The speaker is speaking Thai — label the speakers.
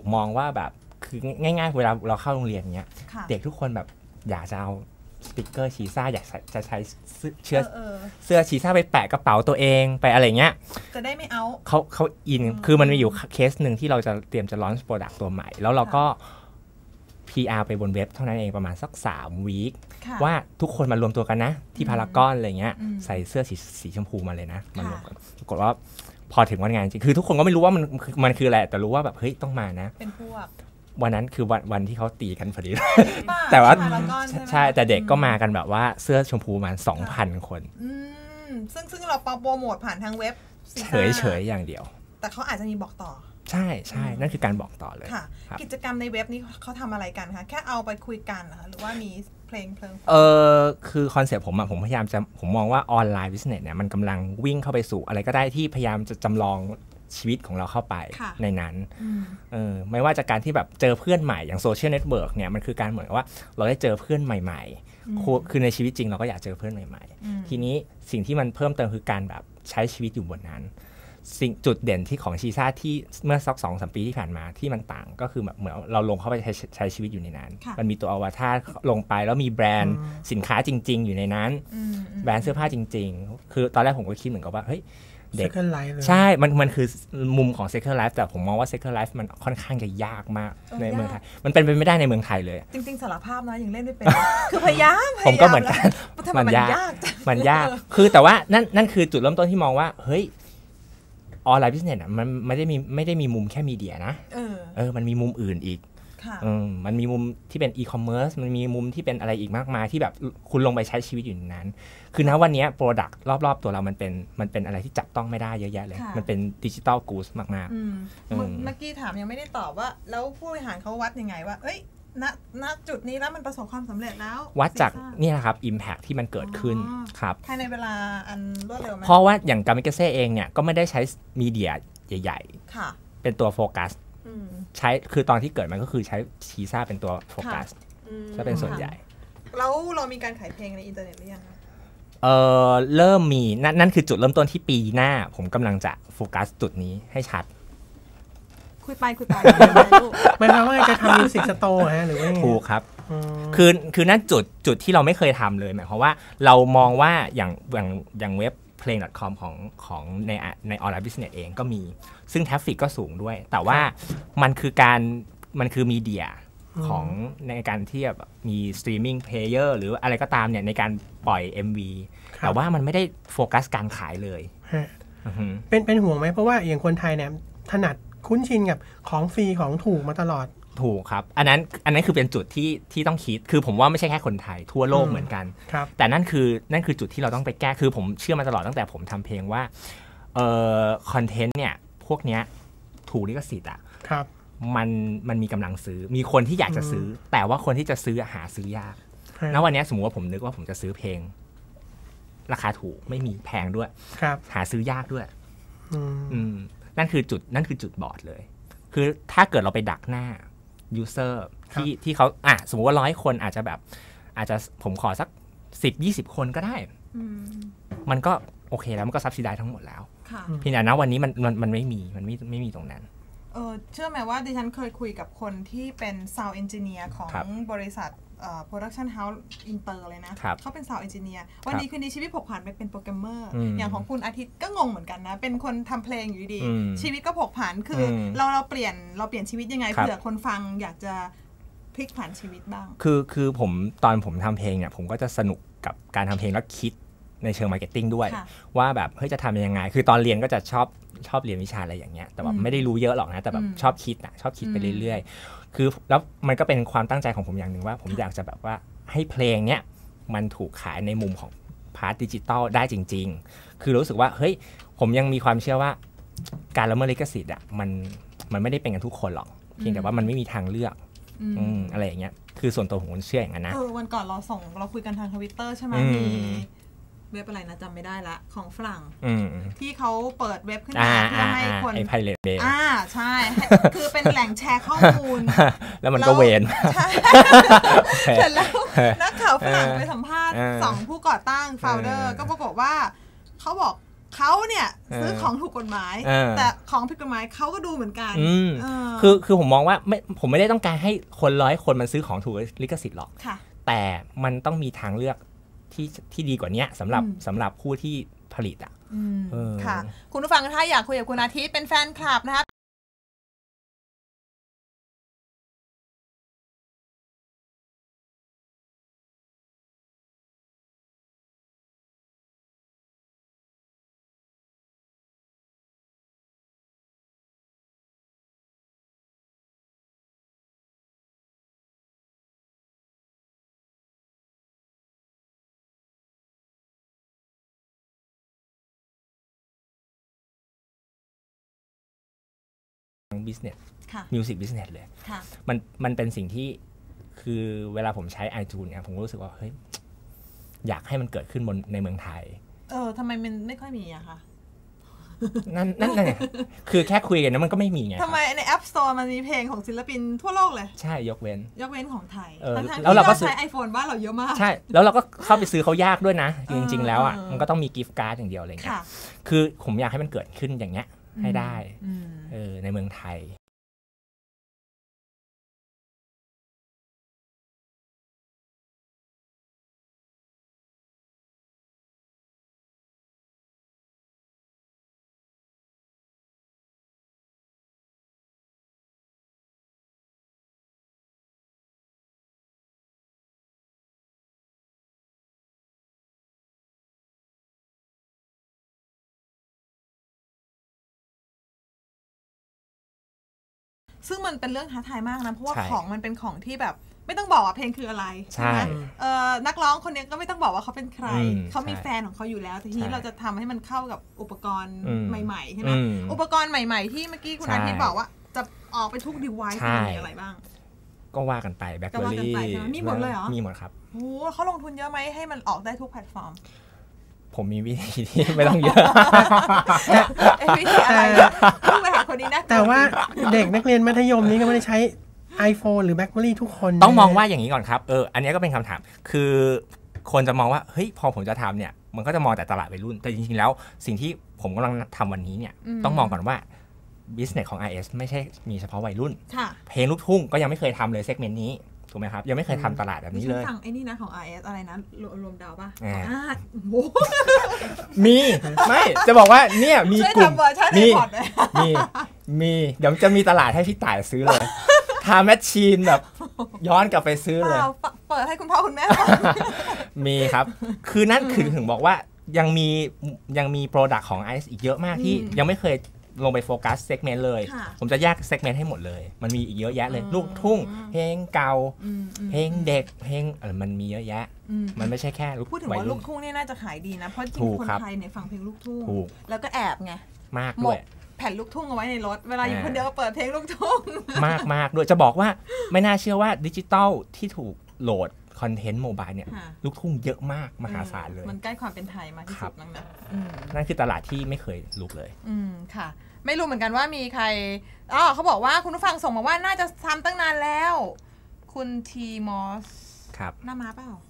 Speaker 1: มองว่าแบบคือง่ายๆเวลาเราเข้าโรงเรียนเงี้ยเด็กทุกคนแบบอยากจะเอาสติกเกอร์ชีซ่าอยากจะใช้เสื้อชีซ่าไปแปะกระเป๋าตัวเองไปอะไรเงี้ย
Speaker 2: จะได้ไม่เอา
Speaker 1: เขาอินคือมันมีอยู่เคสหนึ่งที่เราจะเตรียมจะลอนช์โปรดักต์ตัวใหม่แล้วเราก็ PR ไปบนเว็บเท่านั้นเองประมาณสัก3 วีคว่าทุกคนมารวมตัวกันนะที่พารากอนอะไรเงี้ยใส่เสื้อสีชมพูมาเลยนะมารวมกันปรากฏว่าพอถึงวันงานจริงคือทุกคนก็ไม่รู้ว่ามันคืออะไรแต่รู้ว่าแบบเฮ้ยต้องมานะ
Speaker 2: เป็นพวก
Speaker 1: วันนั้นคือวันที่เขาตีกันพอดีแต่ว่าใช่แต่เด็กก็มากันแบบว่าเสื้อชมพูประมาณ 2,000 คน
Speaker 2: ซึ่งเราโปรโมทผ่านทางเว็บ
Speaker 1: เฉยอย่างเดียว
Speaker 2: แต่เขาอาจจะมีบอกต่อ
Speaker 1: ใช่นั่นคือการบอกต่อเลย
Speaker 2: ค่ะกิจกรรมในเว็บนี้เขาทำอะไรกันคะแค่เอาไปคุยกันหรือว่ามีเพลง
Speaker 1: คือคอนเซ็ปต์ผมพยายามจะผมมองว่าออนไลน์บิสเนสเนี่ยมันกำลังวิ่งเข้าไปสู่อะไรก็ได้ที่พยายามจะจำลองชีวิตของเราเข้าไปในนั้นไม่ว่าจากการที่แบบเจอเพื่อนใหม่อย่างโซเชียลเน็ตเวิร์กเนี่ยมันคือการเหมือนว่าเราได้เจอเพื่อนใหม่ๆคือในชีวิตจริงเราก็อยากเจอเพื่อนใหม่ๆทีนี้สิ่งที่มันเพิ่มเติมคือการแบบใช้ชีวิตอยู่บนนั้นสิ่งจุดเด่นที่ของชีซ่าที่เมื่อสัก 2-3 ปีที่ผ่านมาที่มันต่างก็คือแบบเหมือนเราลงเข้าไปใช้ชีวิตอยู่ในนั้นมันมีตัวอวตารลงไปแล้วมีแบรนด์สินค้าจริงๆอยู่ในนั้นแบรนด์เสื้อผ้าจริงๆคือตอนแรกผมก็คิดเหมือนกับว่าเฮ้ยเด็กใช่มันคือมุมของ Second Life แต่ผมมองว่า Second Life มันค่อนข้างจะยากมากในเมืองไทยมันเป็นไปไม่ได้ในเมืองไทยเลย
Speaker 2: จริงๆสารภาาพนะยังเล่นไม่เป็นคือพยายาม
Speaker 1: ผมก็เหมือนกันมันยากคือแต่ว่านั่นคือจุดเริ่มต้นที่มองว่าเฮ้ยออนไลน์บิสเนสมันไม่ได้มีมุมแค่มีเดียนะมันมีมุมอื่นอีกมันมีมุมที่เป็นอีคอมเมิร์ซมันมีมุมที่เป็นอะไรอีกมากมายที่แบบคุณลงไปใช้ชีวิตอยู่ในนั้นคือณวันนี้โปรดักต์รอบๆตัวเรามันเป็นอะไรที่จับต้องไม่ได้เยอะแยะเลยมันเป็นดิจิตอลกู๊ดมาก
Speaker 2: ๆเมื่อกี้ถามยังไม่ได้ตอบว่าแล้วผู้บริหารเขาวัดยังไงว่าเอ้ยณจุดนี้แล้วมันประสบความสำเร็จแล้ว
Speaker 1: วัดจากนี่นะครับ impact ที่มันเกิดขึ้นครับ
Speaker 2: ภายในเวลาอันรวดเร็วไหม
Speaker 1: เพราะว่าอย่างกามิกาเซ่เองเนี่ยก็ไม่ได้ใช้มีเดียใหญ่ๆเป็นตัวโฟกัสใช้คือตอนที่เกิดมันก็คือใช้ชีซ่าเป็นตัวโฟกัสจะเป็นส่วนใหญ่
Speaker 2: แล้วเรามีการขายเพลงในอินเทอร์เน็ตหรือยัง
Speaker 1: เริ่มมีนั่นคือจุดเริ่มต้นที่ปีหน้าผมกำลังจะโฟกัสจุดนี้ให้ชัด
Speaker 2: คุยไป
Speaker 3: หมายความว่าจะทำมิวสิกสโตร์ฮะหรือว่า
Speaker 1: ถูกครับคือนั่นจุดที่เราไม่เคยทำเลยหมายความว่าเรามองว่าอย่างเว็บเพลง.com ของในออนไลน์บิสเนสเองก็มีซึ่งทราฟฟิกก็สูงด้วยแต่ว่ามันคือมีเดียของในการที่แบบมีสตรีมมิ่งเพลเยอร์หรืออะไรก็ตามเนี่ยในการปล่อย MV แต่ว่ามันไม่ได้โฟกัสการขายเลย
Speaker 3: เป็นห่วงไหมเพราะว่าอย่างคนไทยเนี่ยถนัดคุ้นชินกับของฟรีของถูกมาตลอด
Speaker 1: ถูกครับอันนั้นคือเป็นจุดที่ต้องคิดคือผมว่าไม่ใช่แค่คนไทยทั่วโลกเหมือนกันแต่นั่นคือจุดที่เราต้องไปแก้คือผมเชื่อมาตลอดตั้งแต่ผมทำเพลงว่าคอนเทนต์เนี่ยพวกเนี้ยถูกลิขสิทธิ์อ่ะมันมีกำลังซื้อมีคนที่อยากจะซื้อแต่ว่าคนที่จะซื้อหาซื้อยากณวันนี้สมมติว่าผมนึกว่าผมจะซื้อเพลงราคาถูกไม่มีแพงด้วยหาซื้อยากด้วยนั่นคือจุดบอดเลยคือถ้าเกิดเราไปดักหน้าuser ที่เขาสมมติว่า100 คนอาจจะผมขอสัก 10-20 คนก็ได้มันก็โอเคแล้วมันก็ซับซิไดทั้งหมดแล้วเพียงแต่ณวันนี้มันไม่มีตรงนั้น
Speaker 2: เชื่อไหมว่าดิฉันเคยคุยกับคนที่เป็น Sound Engineer ของบริษัทProduction House Inter เลยนะเขาเป็น Sound Engineer วันนี้คืนนี้ชีวิตผกผันไปเป็นโปรแกรมเมอร์อย่างของคุณอาทิตย์ก็งงเหมือนกันนะเป็นคนทำเพลงอยู่ดีชีวิตก็ผกผันคือเราเปลี่ยนชีวิตยังไงเผื่อคนฟังอยากจะพลิกผันชีวิตบ้าง
Speaker 1: คือตอนผมทำเพลงเนี่ยผมก็จะสนุกกับการทำเพลงแล้วคิดในเชิงมาร์เก็ตติ้งด้วยว่าแบบเฮ้ยจะทำยังไงคือตอนเรียนก็จะชอบเรียนวิชาอะไรอย่างเงี้ยแต่แบบไม่ได้รู้เยอะหรอกนะแต่แบบชอบคิดไปเรื่อยๆคือแล้วมันก็เป็นความตั้งใจของผมอย่างหนึ่งว่าผมอยากจะแบบว่าให้เพลงเนี้ยมันถูกขายในมุมของพาร์ทดิจิตอลได้จริงๆคือรู้สึกว่าเฮ้ยผมยังมีความเชื่อว่าการละเมิดลิขสิทธิ์อ่ะมันไม่ได้เป็นกันทุกคนหรอกเพียงแต่ว่ามันไม่มีทางเลือกอะไรอย่างเงี้ยคือส่วนตัวผมเชื่ออย่างนั้นนะ
Speaker 2: วันก่อนเราคุยกันทาง Twitter ใช่ไหมมีเว็บอะไรนะจำไม่ได้ละของฝรั่งที่เขาเปิดเว็บขึ้นมาเพื่อให้คน
Speaker 1: ไอ้ Pirate Bay
Speaker 2: ใช่คือเป็นแหล่งแชร์ข้อมูล
Speaker 1: แล้วมันก็เวน
Speaker 2: ใช่เสร็จแล้วนักข่าวฝรั่งไปสัมภาษณ์2ผู้ก่อตั้ง founder ก็ปรากฏว่าเขาบอกเขาเนี่ยซื้อของถูกกฎหมายแต่ของผิดกฎหมายเขาก็ดูเหมือนกัน
Speaker 1: คือผมมองว่าผมไม่ได้ต้องการให้คน100 คนมันซื้อของถูกลิขสิทธิ์หรอกแต่มันต้องมีทางเลือกที่ดีกว่านี้สำหรับผู้ที่ผลิตอ่ะ
Speaker 2: ค่ะคุณผู้ฟังถ้าอยากคุยกับคุณอาทิตย์เป็นแฟนคลับนะคะ
Speaker 1: business music business เลยมันเป็นสิ่งที่คือเวลาผมใช้ iTunes เนี่ยผมรู้สึกว่าเฮ้ยอยากให้มันเกิดขึ้นในเมืองไทย
Speaker 2: ทำไมมันไม่ค่อยมีอะคะ
Speaker 1: นั่นไงคือแค่คุยกันนะมันก็ไม่มีไง
Speaker 2: ทำไมใน App Store มันมีเพลงของศิลปินทั่วโลกเลย
Speaker 1: ใช่ยกเว้น
Speaker 2: ของไทย
Speaker 1: แล้วเราก็
Speaker 2: ใช้ iPhone บ้านเราเยอะมาก
Speaker 1: ใช่แล้วเราก็เข้าไปซื้อเขายากด้วยนะจริงๆแล้วอ่ะมันก็ต้องมีกิฟต์การ์ดอย่างเดียวอะไรเงี้ยคือผมอยากให้มันเกิดขึ้นอย่างเงี้ยให้ได้ในเมืองไทย
Speaker 2: ซึ่งมันเป็นเรื่องท้าทายมากนะเพราะว่าของมันเป็นของที่แบบไม่ต้องบอกว่าเพลงคืออะไรใช่ไหมนักร้องคนนี้ก็ไม่ต้องบอกว่าเขาเป็นใครเขามีแฟนของเขาอยู่แล้วทีนี้เราจะทำให้มันเข้ากับอุปกรณ์ใหม่ๆใช่ไหมอุปกรณ์ใหม่ๆที่เมื่อกี้คุณอาทิตย์บอกว่าจะออกไปทุก device มีอะไรบ้าง
Speaker 1: ก็ว่ากันไปแบล็คเบอร์รี่
Speaker 2: มีหมดเลยเหรอ
Speaker 1: มีหมดครับ
Speaker 2: โอ้เขาลงทุนเยอะไหมให้มันออกได้ทุกแพลตฟอร์ม
Speaker 1: ผมมีวิธีที่ไม่ต้องเยอะ
Speaker 2: วิธีอะไรผู้บริหารคนนี้นะ
Speaker 3: แต่ว่าเด็กนักเรียนมัธยมนี้ก็ไม่ได้ใช้ iPhone หรือ BlackBerry ทุกคน
Speaker 1: ต้องมองว่าอย่างนี้ก่อนครับอันนี้ก็เป็นคำถามคือคนจะมองว่าเฮ้ยพอผมจะทำเนี่ยมันก็จะมองแต่ตลาดวัยรุ่นแต่จริงๆแล้วสิ่งที่ผมกำลังทำวันนี้เนี่ยต้องมองก่อนว่า business ของ IS ไม่ใช่มีเฉพาะวัยรุ่นเพลงลูกทุ่งก็ยังไม่เคยทำเลยเซกเมนต์นี้ถูกไหมครับยังไม่เคยทำตลาดแบบนี้เลย
Speaker 2: ฟังไอ้นี่นะของ RS อะไรนะรวมดาวป่ะ
Speaker 1: มีไม่จะบอกว่าเนี่ยมีกลุ่มมีเดี๋ยวจะมีตลาดให้พี่ต่ายซื้อเลยทำแมชชีนแบบย้อนกลับไปซื้อเลย
Speaker 2: เปิดให้คุณพ่อคุณแม่
Speaker 1: มีครับคือนั่นคือถึงบอกว่ายังมีโปรดักต์ของ IS อีกเยอะมากที่ยังไม่เคยลงไปโฟกัสเซกเมนต์เลยผมจะแยกเซกเมนต์ให้หมดเลยมันมีอีกเยอะแยะเลยลูกทุ่งเพลงเก่าเพลงเด็กเพลงมันมีเยอะแยะมันไม่ใช่แค่
Speaker 2: พูดถึงว่าลูกทุ่งนี่น่าจะขายดีนะเพราะจริงคนไทยเนี่ยฟังเพลงลูกทุ่งแล้วก็แอบไง
Speaker 1: มากด้วย
Speaker 2: แผ่นลูกทุ่งเอาไว้ในรถเวลาอยู่คนเดียวก็เปิดเพลงลูกทุ่ง
Speaker 1: มากด้วยจะบอกว่าไม่น่าเชื่อว่าดิจิตอลที่ถูกโหลดคอนเทนต์โมบายเนี่ยลูกทุ่งเยอะมากมหาศาลเลย
Speaker 2: มันใกล้ความเป็นไทยมากที่สุด
Speaker 1: นั่นคือตลาดที่ไม่เคยลุกเลย
Speaker 2: ค่ะไม่รู้เหมือนกันว่ามีใครเขาบอกว่าคุณผู้ฟังส่งมาว่าน่าจะทำตั้งนานแล้วคุณทีมอส
Speaker 1: ครับ
Speaker 2: หน้าม้าเปล่า